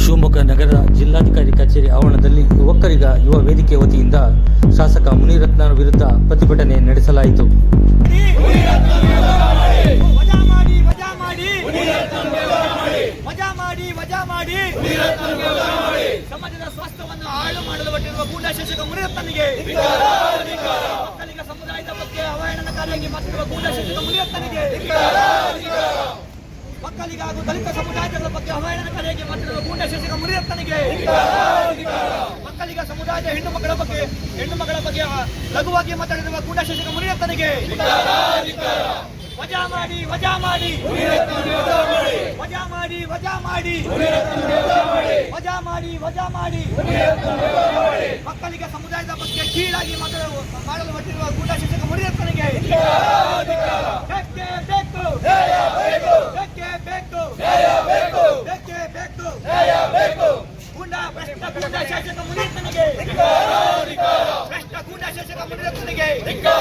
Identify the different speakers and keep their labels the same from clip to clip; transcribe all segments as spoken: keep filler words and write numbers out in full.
Speaker 1: ಶಿವಮೊಗ್ಗ ನಗರ ಜಿಲ್ಲಾಧಿಕಾರಿ ಕಚೇರಿ ಆವರಣದಲ್ಲಿ ಒಕ್ಕಲಿಗ ಯುವ ವೇದಿಕೆ ವತಿಯಿಂದ ಶಾಸಕ ಮುನಿರತ್ನ ವಿರುದ್ಧ ಪ್ರತಿಭಟನೆ ನಡೆಸಲಾಯಿತು.
Speaker 2: ಸಮಾಜದ ಸ್ವಾಸ್ಥ್ಯವನ್ನು ಹಾಳು ಮಾಡಲು ಹೊರಟಿರುವ ಗೂಂಡಾ ಶಾಸಕ ಮುನಿರತ್ನನಿಗೆ, ಒಕ್ಕಲಿಗ ಸಮುದಾಯದ ಬಗ್ಗೆ ಅವಹೇಳನಕಾರಿಯಾಗಿ ಮಾತನಾಡುವ ಗೂಂಡಾ ಶಾಸಕ ಮುನಿರತ್ನನಿಗೆ, ಒಕ್ಕಲಿಗ ಹಾಗೂ ದಲಿತ ಸಮುದಾಯದ ಬಗ್ಗೆ ಅವಹೇಳನಕಾರಿಯಾಗಿ ಮಾತನಾಡುವ ಗೂಂಡಾ ಶಾಸಕ ಮುನಿರತ್ನನಿಗೆ, ಒಕ್ಕಲಿಗ ಸಮುದಾಯದ ಹೆಣ್ಣು ಮಕ್ಕಳ ಬಗ್ಗೆ ಹೆಣ್ಣು ಮಕ್ಕಳ ಬಗ್ಗೆ ಲಘುವಾಗಿ ಮಾತನಾಡಿರುವ ಗೂಂಡಾ ಶಾಸಕ ಮುನಿರತ್ನನಿಗೆ ವಜಾ ಮಾಡಿ ವಜಾ ಮಾಡಿ ವಜಾ ಮಾಡಿ ವಜಾ ಮಾಡಿ ವಜಾ ಮಾಡಿ ವಜಾ ಮಾಡಿ ಒಕ್ಕಲಿಗ ಸಮುದಾಯದ ಬಗ್ಗೆ ಕೀಳಾಗಿ ಮಾತನಾಡುವ ಮಾಡಲು ಹೊರಟಿರುವ ಗೂಂಡಾ ಶಾಸಕ ಮುನಿರತ್ನನಿಗೆ ಬೇಕೇ ಬೇಕು ಬೇಕೇ ಬೇಕು ಬೇಕೇ ಬೇಕು ಗೂಂಡಾ ಭ್ರಷ್ಟ ಗೂಂಡಾ ಶಾಸಕ ಮುನಿರತ್ನನಿಗೆ ಭ್ರಷ್ಟ ಗೂಂಡಾ ಶಾಸಕ ಮುನಿರತ್ನನಿಗೆ.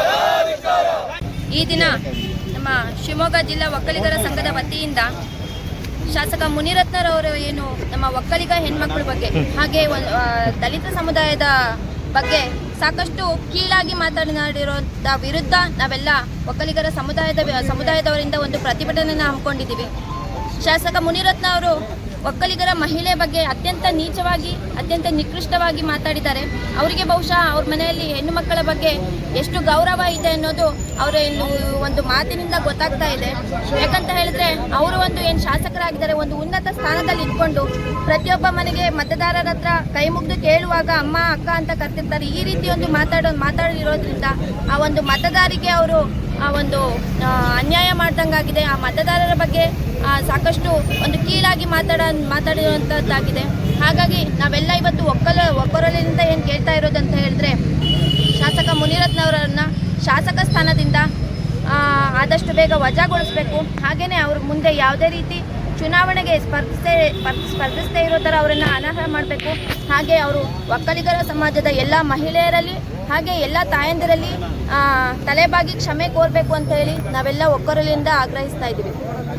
Speaker 3: ಈ ದಿನ ನಮ್ಮ ಶಿವಮೊಗ್ಗ ಜಿಲ್ಲಾ ಒಕ್ಕಲಿಗರ ಸಂಘದ ವತಿಯಿಂದ ಶಾಸಕ ಮುನಿರತ್ನರವರು ಏನು ನಮ್ಮ ಒಕ್ಕಲಿಗ ಹೆಣ್ಮಕ್ಳ ಬಗ್ಗೆ ಹಾಗೆ ದಲಿತ ಸಮುದಾಯದ ಬಗ್ಗೆ ಸಾಕಷ್ಟು ಕೀಳಾಗಿ ಮಾತನಾಡಿರೋದ ವಿರುದ್ಧ ನಾವೆಲ್ಲ ಒಕ್ಕಲಿಗರ ಸಮುದಾಯದ ಸಮುದಾಯದವರಿಂದ ಒಂದು ಪ್ರತಿಭಟನೆಯನ್ನು ಹಮ್ಮಿಕೊಂಡಿದ್ದೀವಿ. ಶಾಸಕ ಮುನಿರತ್ನ ಅವರು ಒಕ್ಕಲಿಗರ ಮಹಿಳೆ ಬಗ್ಗೆ ಅತ್ಯಂತ ನೀಚವಾಗಿ ಅತ್ಯಂತ ನಿಕೃಷ್ಟವಾಗಿ ಮಾತಾಡಿದ್ದಾರೆ. ಅವರಿಗೆ ಬಹುಶಃ ಅವ್ರ ಮನೆಯಲ್ಲಿ ಹೆಣ್ಣು ಮಕ್ಕಳ ಬಗ್ಗೆ ಎಷ್ಟು ಗೌರವ ಇದೆ ಅನ್ನೋದು ಅವರ ಒಂದು ಮಾತಿನಿಂದ ಗೊತ್ತಾಗ್ತಾ ಇದೆ. ಯಾಕಂತ ಹೇಳಿದ್ರೆ ಅವರು ಒಂದು ಏನು ಶಾಸಕರಾಗಿದ್ದಾರೆ, ಒಂದು ಉನ್ನತ ಸ್ಥಾನದಲ್ಲಿ ಇಟ್ಕೊಂಡು ಪ್ರತಿಯೊಬ್ಬ ಮನೆಗೆ ಮತದಾರರ ಹತ್ರ ಕೈ ಮುಗಿದು ಕೇಳುವಾಗ ಅಮ್ಮ ಅಕ್ಕ ಅಂತ ಕರ್ತಿರ್ತಾರೆ. ಈ ರೀತಿ ಒಂದು ಮಾತಾಡೋ ಮಾತಾಡಿರೋದ್ರಿಂದ ಆ ಒಂದು ಮತದಾರಿಗೆ ಅವರು ಆ ಒಂದು ಅನ್ಯಾಯ ಮಾಡ್ದಂಗಾಗಿದೆ. ಆ ಮತದಾರರ ಬಗ್ಗೆ ಸಾಕಷ್ಟು ಒಂದು ಕೀಳಾಗಿ ಮಾತಾಡ ಮಾತಾಡಿರುವಂಥದ್ದಾಗಿದೆ. ಹಾಗಾಗಿ ನಾವೆಲ್ಲ ಇವತ್ತು ಒಕ್ಕಲ ಒಕ್ಕೊರಲಿನಿಂದ ಏನು ಕೇಳ್ತಾ ಇರೋದಂತ ಹೇಳಿದ್ರೆ, ಶಾಸಕ ಮುನಿರತ್ನವರನ್ನು ಶಾಸಕ ಸ್ಥಾನದಿಂದ ಆದಷ್ಟು ಬೇಗ ವಜಾಗೊಳಿಸಬೇಕು. ಹಾಗೆಯೇ ಅವ್ರ ಮುಂದೆ ಯಾವುದೇ ರೀತಿ ಚುನಾವಣೆಗೆ ಸ್ಪರ್ಧಿಸೇ ಸ್ಪರ್ಧಿಸದೇ ಇರೋ ಥರ ಅವರನ್ನು ಅನರ್ಹ ಮಾಡಬೇಕು. ಹಾಗೆ ಅವರು ಒಕ್ಕಲಿಗರ ಸಮಾಜದ ಎಲ್ಲ ಮಹಿಳೆಯರಲ್ಲಿ ಹಾಗೆ ಎಲ್ಲ ತಾಯಂದಿರಲ್ಲಿ ತಲೆಬಾಗಿ ಕ್ಷಮೆ ಕೋರಬೇಕು ಅಂತ ಹೇಳಿ ನಾವೆಲ್ಲ ಒಕ್ಕೊರಲಿಂದ ಆಗ್ರಹಿಸ್ತಾ ಇದ್ದೀವಿ.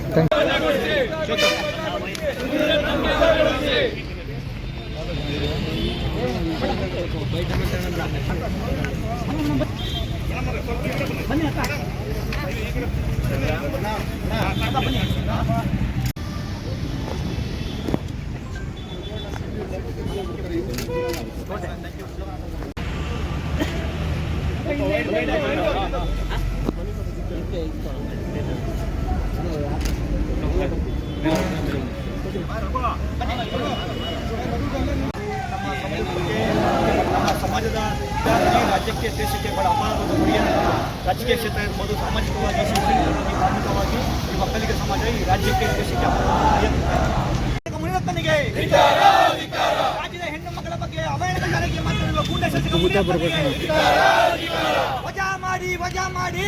Speaker 2: ಸಮಾಜದ ರಾಜ್ಯಕ್ಕೆ ದೇಶಕ್ಕೆ ಬಹಳ ಅಪಾರವಾದ ಕೊಡುಗೆಯನ್ನು ರಾಜಕೀಯ ಕ್ಷೇತ್ರ ಇರ್ಬೋದು, ಸಾಮಾಜಿಕವಾಗಿ ಶೈಕ್ಷಣಿಕವಾಗಿ ಧಾರ್ಮಿಕವಾಗಿ ಈ ಒಕ್ಕಲಿಗ ಸಮಾಜ ಈ ರಾಜ್ಯಕ್ಕೆ ದೇಶಕ್ಕೆ ಮುನಿರತ್ನನಿಗೆ, ರಾಜ್ಯದ ಹೆಣ್ಣು ಮಕ್ಕಳ ಬಗ್ಗೆ ಅವಹೇಳನಕಾರಿಯಾಗಿ ಮಾತನಾಡುವ ಗೂಂಡಾ ಶಾಸಕ ಮುನಿರತ್ನನಿಗೆ ವಜಾ ಮಾಡಿ ವಜಾ ಮಾಡಿ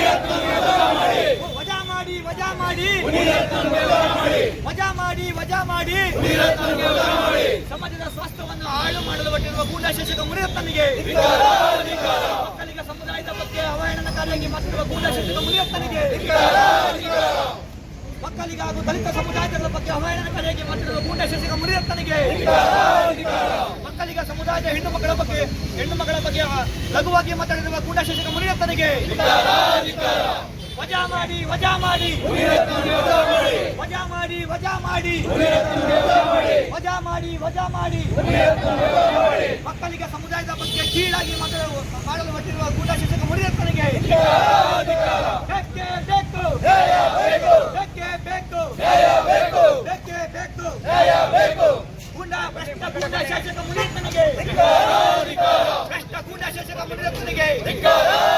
Speaker 2: ವಜಾ ಮಾಡಿ ವಜಾ ಮಾಡಿ ವಜಾ ಮಾಡಿ ವಜಾ ಮಾಡಿ ಸಮಾಜದ ಸ್ವಾಸ್ಥ್ಯವನ್ನು ಹಾಳು ಮಾಡಲು ಹೊರಟಿರುವ ಗೂಂಡಾ ಶಾಸಕ ಮುನಿರತ್ನನಿಗೆ, ಒಕ್ಕಲಿಗ ಸಮುದಾಯದ ಬಗ್ಗೆ ಅವಹೇಳನಕಾರಿಯಾಗಿ ಮಾತನಾಡುವ ಗೂಂಡಾ ಶಾಸಕ ಮುನಿರತ್ನನಿಗೆ, ಒಕ್ಕಲಿಗ ಹಾಗೂ ದಲಿತ ಸಮುದಾಯದ ಬಗ್ಗೆ ಅವಹೇಳನಕಾರಿಯಾಗಿ ಮಾತನಾಡುವ ಗೂಂಡಾ ಶಾಸಕ ಮುನಿರತ್ನನಿಗೆ, ಒಕ್ಕಲಿಗ ಸಮುದಾಯದ ಹೆಣ್ಣು ಮಕ್ಕಳ ಬಗ್ಗೆ ಹೆಣ್ಣು ಮಕ್ಕಳ ಬಗ್ಗೆ ಲಘುವಾಗಿ ಮಾತನಾಡಿರುವ ಗೂಂಡಾ ಶಾಸಕ ಮುನಿರತ್ನನಿಗೆ ವಜಾ ಮಾಡಿ ವಜಾ ಮಾಡಿ ವಜಾ ಮಾಡಿ ವಜಾ ಮಾಡಿ ವಜಾ ಮಾಡಿ ವಜಾ ಮಾಡಿ ಒಕ್ಕಲಿಗ ಸಮುದಾಯದ ಬಗ್ಗೆ ಕೀಳಾಗಿ ಮಾತನಾಡುವ ಮಾಡಲು ಹೊರಟಿರುವ ಗೂಂಡಾ ಶಾಸಕ ಮುನಿರತ್ನನಿಗೆ ಬೇಕೇ ಬೇಕು ಬೇಕೇ ಬೇಕು ಬೇಕೇ ಬೇಕು ಗೂಂಡಾ ಭ್ರಷ್ಟ ಗೂಂಡಾ ಶಾಸಕ ಮುನಿರತ್ನನಿಗೆ ಭ್ರಷ್ಟ ಗೂಂಡಾ ಶಾಸಕ ಮುನಿರತ್ನನಿಗೆ